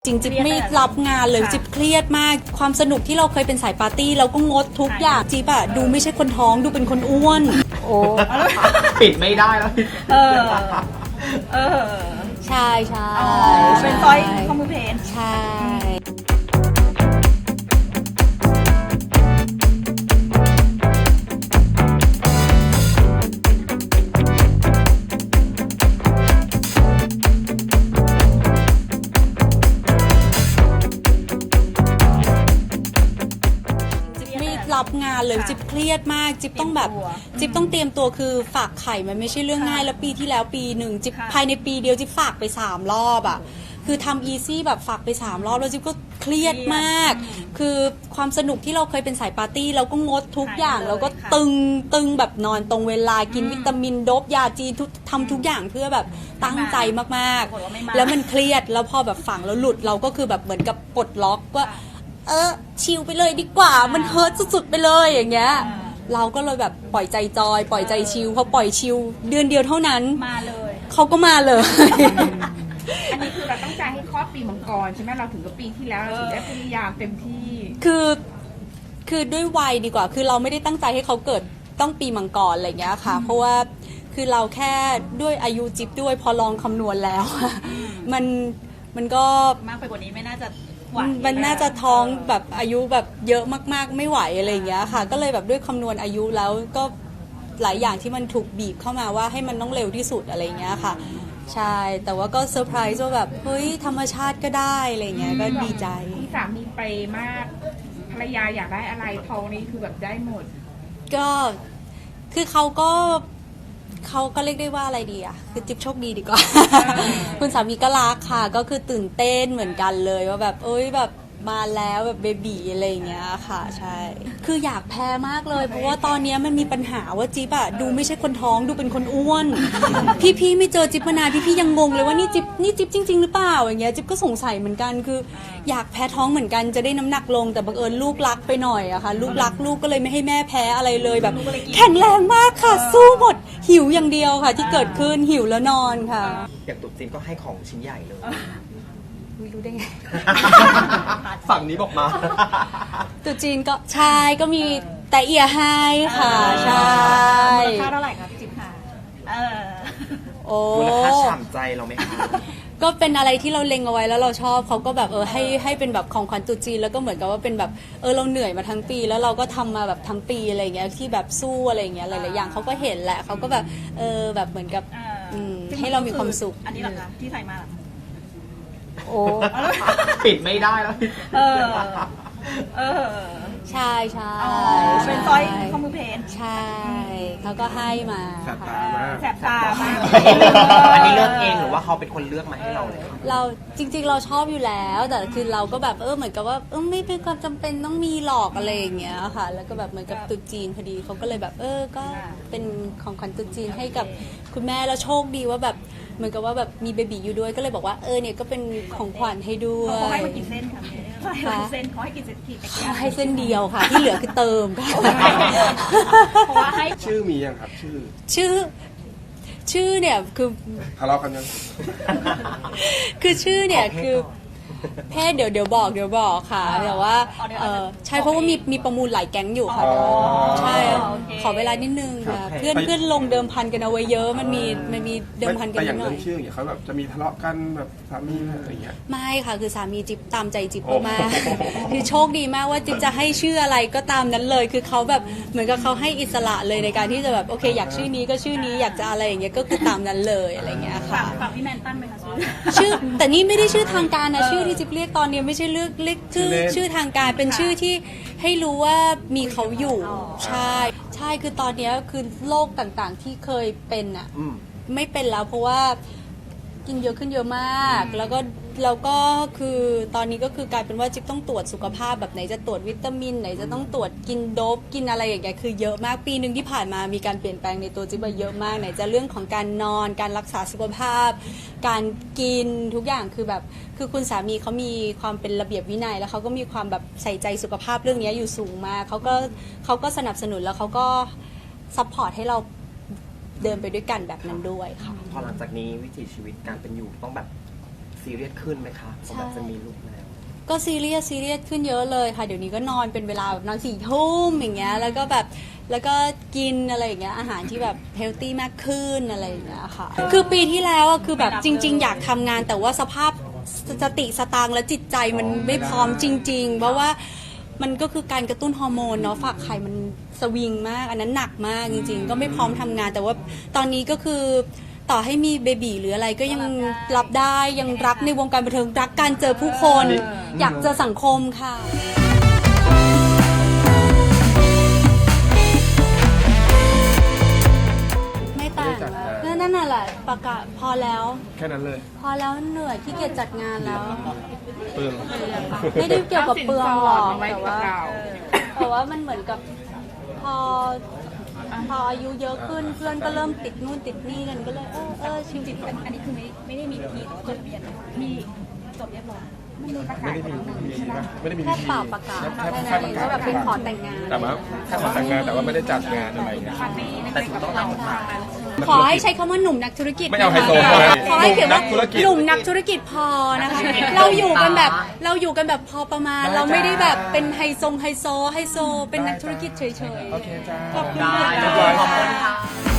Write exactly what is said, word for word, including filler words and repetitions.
จริงจิ๊บไม่รับงานเลยจิ๊บเครียดมากความสนุกที่เราเคยเป็นสายปาร์ตี้เราก็งดทุกอย่างจิ๊บอะดูไม่ใช่คนท้องดูเป็นคนอ้วนโอ้ปิดไม่ได้แล้วเออเออใช่ใช่เป็นซอยคอมมูเพนใช่รับงานเลยจิ๊บเครียดมากจิ๊บต้องแบบจิ๊บต้องเตรียมตัวคือฝากไข่มันไม่ใช่เรื่องง่ายแล้วปีที่แล้วปีหนึ่งจิ๊บภายในปีเดียวจิ๊บฝากไปสามรอบอ่ะคือทำอีซี่แบบฝากไปสามรอบแล้วจิ๊บก็เครียดมากคือความสนุกที่เราเคยเป็นสายปาร์ตี้เราก็งดทุกอย่างเราก็ตึงตึงแบบนอนตรงเวลากินวิตามินโดบยาจีนทุกทำทุกอย่างเพื่อแบบตั้งใจมากๆแล้วมันเครียดแล้วพอแบบฝังแล้วหลุดเราก็คือแบบเหมือนกับปลดล็อกว่าเออชิลไปเลยดีกว่ามันเฮิร์ตสุดๆไปเลยอย่างเงี้ยเราก็เลยแบบปล่อยใจจอยปล่อยใจชิลพอปล่อยชิลเดือนเดียวเท่านั้นมาเลยเขาก็มาเลยอันนี้คือเราตั้งใจให้คลอดปีมังกรใช่ไหมเราถึงกับปีที่แล้วเราถึงได้พยายามเต็มที่คือคือด้วยวัยดีกว่าคือเราไม่ได้ตั้งใจให้เขาเกิดต้องปีมังกรอะไรเงี้ยค่ะเพราะว่าคือเราแค่ด้วยอายุจิ๊บด้วยพอลองคำนวณแล้วมันมันก็มากไปกว่านี้ไม่น่าจะมันน่าจะท้องแบบอายุแบบเยอะมากๆไม่ไหวอะไรอย่างเงี้ยค่ะก็เลยแบบด้วยคำนวณอายุแล้วก็หลายอย่างที่มันถูกบีบเข้ามาว่าให้มันต้องเร็วที่สุดอะไรอย่างเงี้ยค่ะใช่แต่ว่าก็เซอร์ไพรส์ว่าแบบเฮ้ยธรรมชาติก็ได้อะไรเงี้ยก็ดีใจที่สามีไปมากภรรยาอยากได้อะไรท้องนี้คือแบบได้หมดก็คือเขาก็เขาก็เรียกได้ว่าอะไรดีอ่ะคือจิ๊บโชคดีดีกว่า คุณสามีก็รักค่ะก็คือตื่นเต้นเหมือนกันเลยว่าแบบเอ้ยแบบมาแล้วแบบเบบีอะไรอย่างเงี้ยค่ะใช่คืออยากแพ้มากเลยเพราะว่าตอนนี้มันมีปัญหาว่าจิ๊บอะดูไม่ใช่คนท้องดูเป็นคนอ้วน พี่ๆไม่เจอจิ๊บมานานพี่ๆยังงงเลยว่านี่จิ๊บนี่จิ๊บจริงๆหรือเปล่าอย่างเงี้ยจิ๊บก็สงสัยเหมือนกันคืออยากแพ้ท้องเหมือนกันจะได้น้ำหนักลงแต่บังเอิญลูกรักไปหน่อยอะค่ะลูกรักลูกก็เลยไม่ให้แม่แพ้อะไรเลยแบบแข็งแรงมากค่ะสู้หมดหิวอย่างเดียวค่ะที่เกิดขึ้นหิวแล้วนอนค่ะอย่างตุ๊กจีนก็ให้ของชิ้นใหญ่เลยรู้ได้ไงฝั่งนี้บอกมาตุ๊จีนก็ใช่ก็มีแต่เอียให้ค่ะใช่มูลค่าเท่าไหร่ครับจิ๊บค่ะเออโอ้มูลค่าฉ่ำใจเราไหมคะก็เป็นอะไรที่เราเล็งเอาไว้แล้วเราชอบเขาก็แบบเออให้ให้เป็นแบบของขวัญตุ๊จีนแล้วก็เหมือนกับว่าเป็นแบบเออเราเหนื่อยมาทั้งปีแล้วเราก็ทำมาแบบทั้งปีอะไรเงี้ยที่แบบสู้อะไรเงี้ยหลายๆอย่างเขาก็เห็นแหละเขาก็แบบเออแบบเหมือนกับให้เรามีความสุขอันนี้หรอคะที่ใส่มาโอ้ปิดไม่ได้แล้วเออเออใช่ใช่เป็นซอยคอมมูเพนใช่เขาก็ให้มาแสบตามากแสบตามากอันนี้เลือกเองหรือว่าเขาเป็นคนเลือกมาให้เราเลยเราจริงๆเราชอบอยู่แล้วแต่คือเราก็แบบเออเหมือนกับว่าเออไม่เป็นความจำเป็นต้องมีหลอกอะไรอย่างเงี้ยค่ะแล้วก็แบบเหมือนกับตุ๊จีนพอดีเขาก็เลยแบบเออก็เป็นของขวัญตุ๊จีนให้กับคุณแม่แล้วโชคดีว่าแบบเหมือนกับว่าแบบมีเบบีอยู่ด้วยก็เลยบอกว่าเออเนี่ยก็เป็นของขวัญให้ด้วยเขาให้มากี่เส้นคะเส้นเขาให้กี่เส้นกี่เขาให้เส้นเดียวค่ะที่เหลือคือเติมค่ะเพราะว่าให้ชื่อมียังครับชื่อชื่อชื่อเนี่ยคือทะเลาะกันยังคือชื่อเนี่ยคือเพศเดี๋ยวเดี๋ยวบอกเดี๋ยวบอกค่ะแต่ว่าใช่เพราะว่ามีมีประมูลหลายแก๊งอยู่ค่ะใช่ขอเวลานิดนึงค่ะเพื่อนเพื่อนลงเดิมพันกันเอาไว้เยอะมันมีมันมีเดิมพันกันหน่อยแต่อย่างเเรื่องชื่ออย่างเขาแบบจะมีทะเลาะกันแบบสามีอะไรอย่างเงี้ยไม่ค่ะคือสามีจิ๊บตามใจจิ๊บมากคือโชคดีมากว่าจิ๊บจะให้ชื่ออะไรก็ตามนั้นเลยคือเขาแบบเหมือนกับเขาให้อิสระเลยในการที่จะแบบโอเคอยากชื่อนี้ก็ชื่อนี้อยากจะอะไรอย่างเงี้ยก็คือตามนั้นเลยอะไรเงี้ยค่ะฝากพี่แมนตั้นไหมคะชื่อแต่นี่ไม่ได้ชื่อทางการนะชื่อที่จิ๊บเรียกตอนนี้ไม่ใช่เลือกเรียกชื่อชื่อทางการเป็นชื่อที่ให้รู้ว่ามีเขาอยู่ใช่ใช่คือตอนนี้คือโรคต่างๆที่เคยเป็นอ่ะไม่เป็นแล้วเพราะว่ากินเยอะขึ้นเยอะมากแล้วก็แล้วก็คือตอนนี้ก็คือกลายเป็นว่าจิ๊บต้องตรวจสุขภาพแบบไหนจะตรวจวิตามินไหนจะต้องตรวจกินโดปกินอะไรอย่างเงี้ยคือเยอะมากปีนึงที่ผ่านมามีการเปลี่ยนแปลงในตัวจิ๊บเยอะมากไหนจะเรื่องของการนอนการรักษาสุขภาพการกินทุกอย่างคือแบบคือคุณสามีเขามีความเป็นระเบียบวินัยแล้วเขาก็มีความแบบใส่ใจสุขภาพเรื่องนี้อยู่สูงมากเขาก็เขาก็สนับสนุนแล้วเขาก็ซัพพอร์ตให้เราเดินไปด้วยกันแบบนั้นด้วยค่ะพอหลังจากนี้วิถีชีวิตการเป็นอยู่ต้องแบบซีเรียสขึ้นไหมคะผมแบบจะมีลูกแล้วก็ซีเรียสซีเรียสขึ้นเยอะเลยค่ะเดี๋ยวนี้ก็นอนเป็นเวลาแบบนอนสี่ทุ่มอย่างเงี้ยแล้วก็แบบแล้วก็กินอะไรอย่างเงี้ยอาหารที่แบบเฮลตี้มากขึ้นอะไรอย่างเงี้ยค่ะคือปีที่แล้วอะคือแบบจริง ๆ อยากทำงานแต่ว่าสภาพสติสตางค์และจิตใจมันไม่พร้อมจริง ๆ เพราะว่ามันก็คือการกระตุ้นฮอร์โมนเนาะฝากไข่มันสวิงมากอันนั้นหนักมากจริง ๆ ก็ไม่พร้อมทำงานแต่ว่าตอนนี้ก็คือต่อให้มีเบบีหรืออะไรก็ยังรับได้ยังรักในวงการบันเทิงรักการเจอผู้คนอยากเจอสังคมค่ะไม่ต่างแล้วนั่นน่ะแหละประกาศพอแล้วแค่นั้นเลยพอแล้วเหนื่อยที่เกียจจัดงานแล้วเปลืองไม่ได้เกี่ยวกับเปลืองหรอกไว้แต่กับว่าเราแต่ว่ามันเหมือนกับพอพออายุเยอะขึ้นเพื่อนก็เริ่มติดนู่นติดนี่กันก็เลยเออเออชีวิตอันนี้คือไม่ไม่ได้มีพิธีจดทะเบียนมีจดเรียบร้อยไม่มีประกาไม่ศได้มีพิธีป่ะไม่ได้มีแค่พิธีเป่าประกาศแค่แค่แค่นั้นประเองกาศว่าแบบเป็นขอแต่งงานแต่ว่าแค่ขอแต่งงานแต่ว่าไม่ได้จัดงานอะไรเงี้ยแต่ถึงต้องทำมาขอให้ใช้คำว่าหนุ่มนักธุรกิจไม่เอาไฮโซนะคะนะขอให้เขียนว่าหนุ่มนักธุรกิจหนุ่มนักธุรกิจพอนะคะ เราอยู่กันแบบเราอยู่กันแบบพอประมาณ เราไม่ได้แบบเป็นไฮโซไฮโซไฮโซเป็นนักธุรกิจเฉยๆโอเคจ้าขอบคุณได้ค่ะขอบคุณค่ะ